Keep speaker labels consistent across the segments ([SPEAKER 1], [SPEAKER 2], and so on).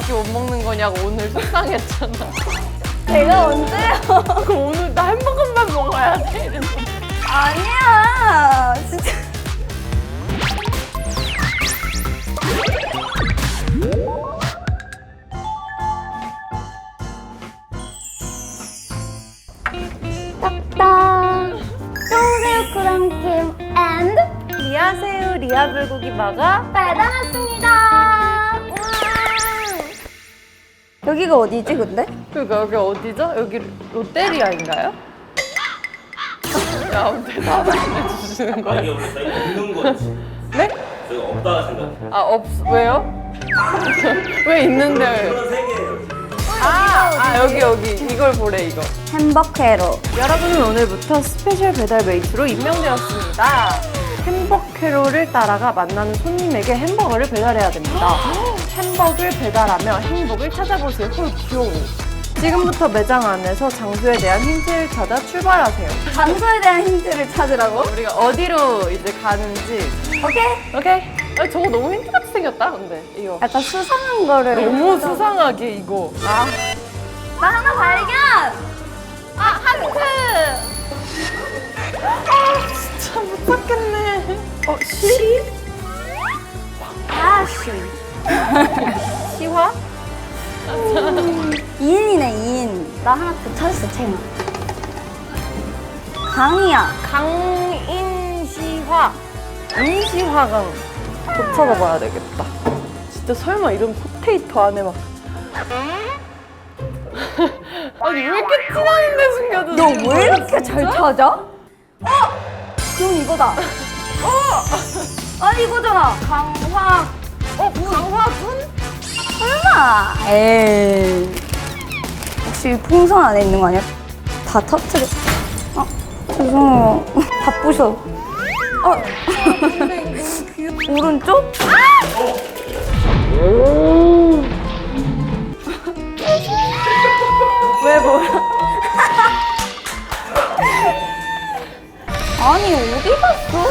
[SPEAKER 1] 햄버거밖에 못 먹는 거냐고 오늘 속상했잖아.
[SPEAKER 2] 제가 언제요?
[SPEAKER 1] 그럼 오늘 나 햄버거만 먹어야 돼? 이래서.
[SPEAKER 2] 아니야. 진짜. 딱딱. 청새우 크랑김 앤
[SPEAKER 1] 리아새우 리아 불고기 먹어?
[SPEAKER 2] 배달 왔습니다. 여기가 어디지 근데?
[SPEAKER 1] 그러니까 여기 어디죠? 여기 롯데리아인가요? 야, 대답을 안 해주시는
[SPEAKER 3] 아,
[SPEAKER 1] 거예요?
[SPEAKER 3] 이게 원래 저희가 없는 거지.
[SPEAKER 1] 네?
[SPEAKER 3] 저희가 없다가 생각해.
[SPEAKER 1] 왜요? 왜 있는데?
[SPEAKER 3] 그런 세계예요.
[SPEAKER 1] 여기 이걸 보래 이거.
[SPEAKER 2] 햄버케로.
[SPEAKER 1] 여러분은 오늘부터 스페셜 배달 메이트로 임명되었습니다. 햄버케로를 따라가 만나는 손님에게 햄버거를 배달해야 됩니다. 햄버거를 배달하며 행복을 찾아보세요. 헐 귀여워. 지금부터 매장 안에서 장소에 대한 힌트를 찾아 출발하세요.
[SPEAKER 2] 장소에 대한 힌트를 찾으라고?
[SPEAKER 1] 우리가 어디로 이제 가는지.
[SPEAKER 2] 오케이.
[SPEAKER 1] 오케이. 저거 너무 힌트 같이 생겼다. 근데 이거
[SPEAKER 2] 약간 수상한 거를.
[SPEAKER 1] 너무 수상하게 이거.
[SPEAKER 2] 나 하나 발견!
[SPEAKER 1] 하트. 진짜 못 찾겠네. 시? 시화?
[SPEAKER 2] 이인이네, 이인. 나 하나 더 찾았어, 채나. 강이야.
[SPEAKER 1] 강인시화. 인시화강. 더 찾아봐야 되겠다. 진짜 설마 이런 포테이토 안에 막. 아니 왜 이렇게 티나는데 숨겨두지?
[SPEAKER 2] 너 왜 이렇게 잘 찾아? 그럼 이거다. 아니, 이거잖아. 강화.
[SPEAKER 1] 강화군?
[SPEAKER 2] 설마. 에이. 혹시 풍선 안에 있는 거 아니야? 다 터트려. 죄송해요. 다 부셔. 오른쪽?
[SPEAKER 1] 왜 뭐야?
[SPEAKER 2] 아니, 어디 갔어?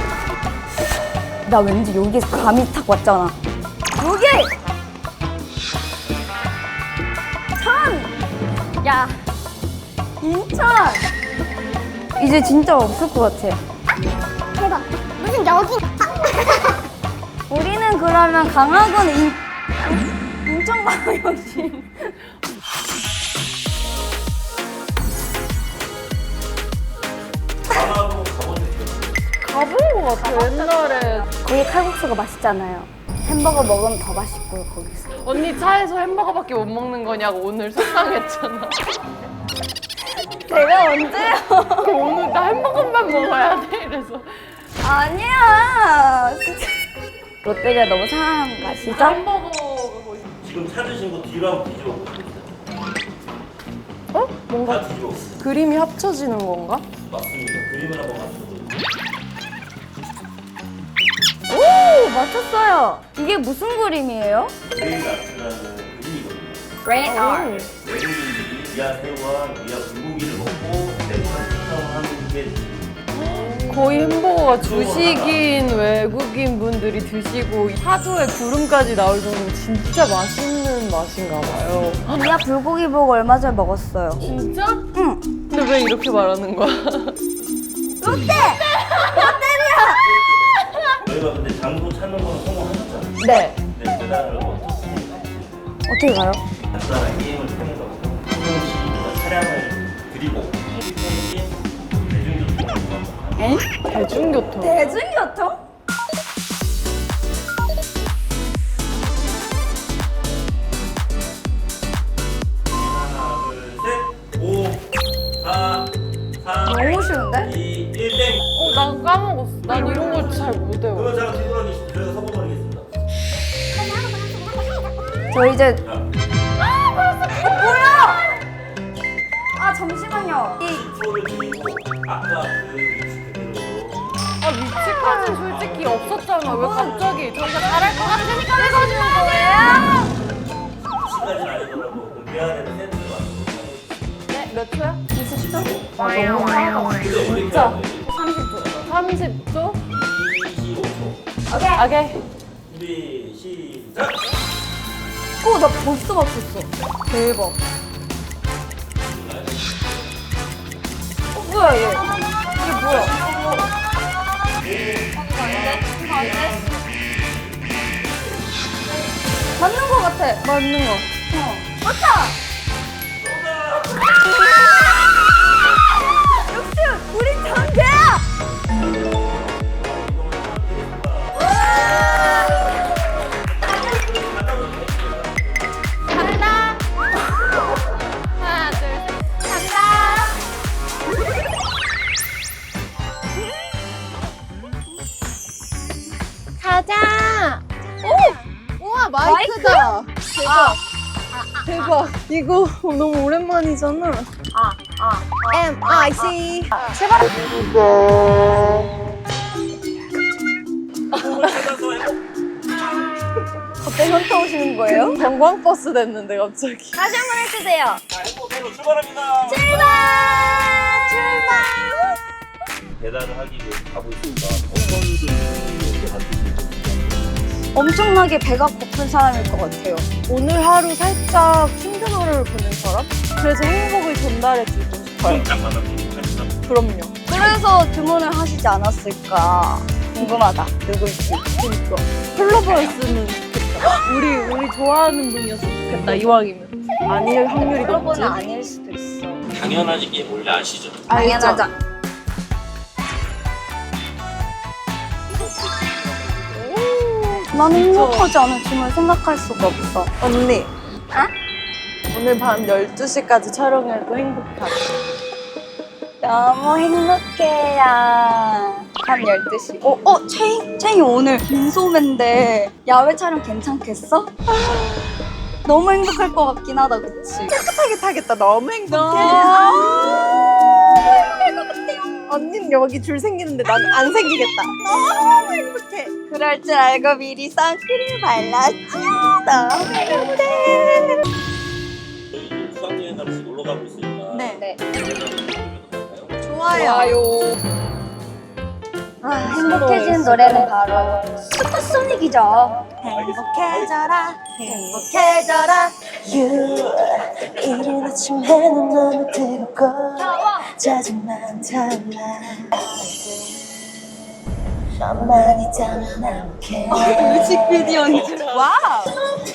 [SPEAKER 2] 나 왠지 여기에서 감이 탁 왔잖아. 여기! 천! 야, 인천! 이제 진짜 없을 것 같아.
[SPEAKER 4] 대박. 무슨 여기?
[SPEAKER 2] 우리는 그러면 강화군 인천광역시.
[SPEAKER 3] 강화도 가보셨어요?
[SPEAKER 1] 가본 것 같아 옛날에.
[SPEAKER 2] 거기 칼국수가 맛있잖아요. 햄버거 먹으면 더 맛있고요, 거기서.
[SPEAKER 1] 언니 차에서 햄버거밖에 못 먹는 거냐고 오늘 속상했잖아.
[SPEAKER 2] 제가 언제요?
[SPEAKER 1] 그럼 오늘 나 햄버거만 먹어야 돼? 이래서.
[SPEAKER 2] 아니야. 진짜. 롯데리아 너무 사랑하는 거 아시죠?
[SPEAKER 1] 햄버거 먹고 싶어.
[SPEAKER 3] 지금 찾으신 거 뒤로 한번 뒤집어 보세요.
[SPEAKER 1] 뭔가
[SPEAKER 3] 다 뒤집어 보세요.
[SPEAKER 1] 그림이 합쳐지는 건가?
[SPEAKER 3] 맞습니다. 그림을 한번 맞춰보세요.
[SPEAKER 2] 오, 맞췄어요. 이게 무슨 그림이에요?
[SPEAKER 3] 브레인 아트라는 그림이거든요.
[SPEAKER 2] Brain art.
[SPEAKER 3] 외국인들이 리아새우와 리아 불고기를 먹고 내부한 식성하는 게
[SPEAKER 1] 거의 햄버거가 주식인 외국인 분들이 드시고 사조에 구름까지 나올 정도로 진짜 맛있는 맛인가 봐요.
[SPEAKER 2] 리아 불고기 보고 얼마 전에 먹었어요.
[SPEAKER 1] 진짜?
[SPEAKER 2] 응.
[SPEAKER 1] 근데 왜 이렇게 말하는 거야?
[SPEAKER 2] 롯데!
[SPEAKER 3] 저희가 근데 장소 찾는 건 성공하셨잖아요.
[SPEAKER 1] 네.
[SPEAKER 3] 네, 배달을
[SPEAKER 2] 어떻게 가요?
[SPEAKER 3] 간단한 게임을 통해서 한 명씩 차량을 드리고 대중교통을
[SPEAKER 1] 대중교통.
[SPEAKER 2] 대중교통?
[SPEAKER 3] 하나, 둘, 셋, 5, 4, 3,
[SPEAKER 2] 너무 쉬운데?
[SPEAKER 3] 2, 1, 땡!
[SPEAKER 1] 난 까먹었어. 난 이런 걸 잘 못 외워.
[SPEAKER 3] 그러면 잠깐 뒤돌아계시죠. 저희가 서버버리겠습니다.
[SPEAKER 2] 저 이제
[SPEAKER 3] 자,
[SPEAKER 2] 뭐야? 아 잠시만요.
[SPEAKER 3] 초를 드리고 아까 그 위치 그대로
[SPEAKER 1] 위치까지 솔직히 없었잖아. 왜 갑자기 저희가 잘할 것 같으니까 해가지고 거예요?
[SPEAKER 3] 위치까지는 아니더라도 그 대안에는 센스가
[SPEAKER 1] 네, 몇 초야?
[SPEAKER 2] 20초?
[SPEAKER 1] 너무 많아.
[SPEAKER 3] 근데 우리
[SPEAKER 2] 진짜?
[SPEAKER 3] 대안에
[SPEAKER 1] 30초?
[SPEAKER 3] 25초.
[SPEAKER 2] 오케이.
[SPEAKER 1] 오케이.
[SPEAKER 3] 준비, 시작!
[SPEAKER 2] 맞고 나 벌써 맞췄어. 대박. 뭐야 얘? 이게 뭐야? 맞는 거 같아.
[SPEAKER 1] 맞는 거.
[SPEAKER 2] 맞다. 역시 우리 장재야. 간다. 하나, 둘, 셋. 간다.
[SPEAKER 1] 가자. 우와
[SPEAKER 2] 마이크다.
[SPEAKER 1] 대박. 대박. 이거 너무 오랜만이잖아. MIC.
[SPEAKER 2] 갑자기 현타 오시는 거예요?
[SPEAKER 1] 관광버스 됐는데 갑자기.
[SPEAKER 2] 다시 한 번 해주세요.
[SPEAKER 3] 행복회로 출발합니다.
[SPEAKER 2] 출발.
[SPEAKER 3] 배달을 하기 위해서 가고 있습니다. 어떤 분이 이렇게 만드시는지.
[SPEAKER 2] 엄청나게 배가 고픈 사람일 것 같아요.
[SPEAKER 1] 오늘 하루 살짝 힘든 하루를 보낸 사람? 그래서 행복을 전달해주고 싶어요.
[SPEAKER 3] 딱 만나면 행복합니다.
[SPEAKER 1] 그럼요.
[SPEAKER 2] 그래서 주문을 하시지 않았을까 궁금하다. 누굴지.
[SPEAKER 1] 그러니까. 플로버였으면 좋겠다. 우리 좋아하는 분이었으면 좋겠다. 이왕이면. 아닐 확률이 높지.
[SPEAKER 2] 여러분은 아닐 수도 있어.
[SPEAKER 3] 당연하지 게 원래 아시죠?
[SPEAKER 2] 당연하자. 나는 행복하지 않은 춤을 생각할 수가 없어.
[SPEAKER 1] 언니. 오늘 밤 12시까지 촬영해도 행복하다.
[SPEAKER 2] 너무 행복해요. 밤 12시. 채이 오늘 민소매인데 야외 촬영 괜찮겠어? 너무 행복할 것 같긴 하다, 그치?
[SPEAKER 1] 깨끗하게 타겠다. 너무 행복해.
[SPEAKER 2] 행복할 것 같아요.
[SPEAKER 1] 언니는 여기 줄 생기는데 난 안 생기겠다. 너무 행복해.
[SPEAKER 2] 그럴 줄 알고 미리 선크림 발랐죠. 너무 행복해.
[SPEAKER 3] 저희 이제 수학여행 가면서 놀러 가고 있으니까.
[SPEAKER 2] 네.
[SPEAKER 1] 좋아요.
[SPEAKER 2] 행복해진 노래는 바로 슈퍼소닉이죠. 행복해져라, 행복해져라.
[SPEAKER 5] 이른 아침 해는 너무 뜨겁고 짜증만 달라 너만 있다면 I'm okay
[SPEAKER 2] 뮤직비디오인 줄. 와우.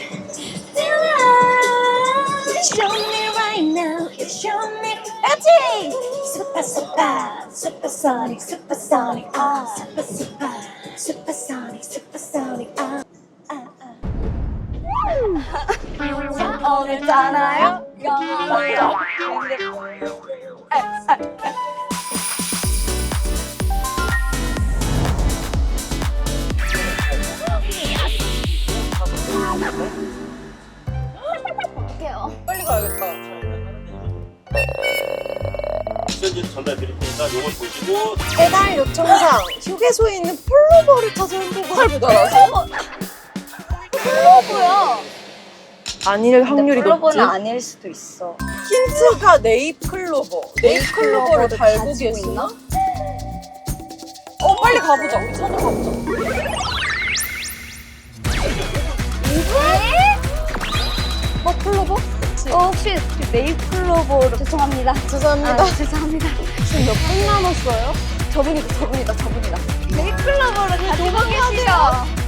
[SPEAKER 5] Show me right now, show me 같이 Super super, supersonic, supersonic Super super, supersonic, supersonic
[SPEAKER 2] 오늘잖아요. 영원하죠.
[SPEAKER 1] 빨리 가야겠다.
[SPEAKER 3] 미션지를 전달 드릴 테니까 요걸 보시고
[SPEAKER 1] 배달 요청상 휴게소에 있는 플로버를 찾아 행복을 하더라고.
[SPEAKER 2] 플로버야.
[SPEAKER 1] 아닐 확률이 높지.
[SPEAKER 2] 플로버는 아닐 수도 있어.
[SPEAKER 1] 힌트가 네잎클로버. 네잎클로버를
[SPEAKER 2] 클로버를
[SPEAKER 1] 달고
[SPEAKER 2] 가지고
[SPEAKER 1] 계시나?
[SPEAKER 2] 있나?
[SPEAKER 1] 빨리 가보자. 우리 찾아가보자. 클로버?
[SPEAKER 2] 혹시 네잎클로버로 죄송합니다.
[SPEAKER 1] 죄송합니다.
[SPEAKER 2] 죄송합니다.
[SPEAKER 1] 지금 몇 분 남았어요?
[SPEAKER 2] 저분이다. 네잎클로버로 가지고 계시죠.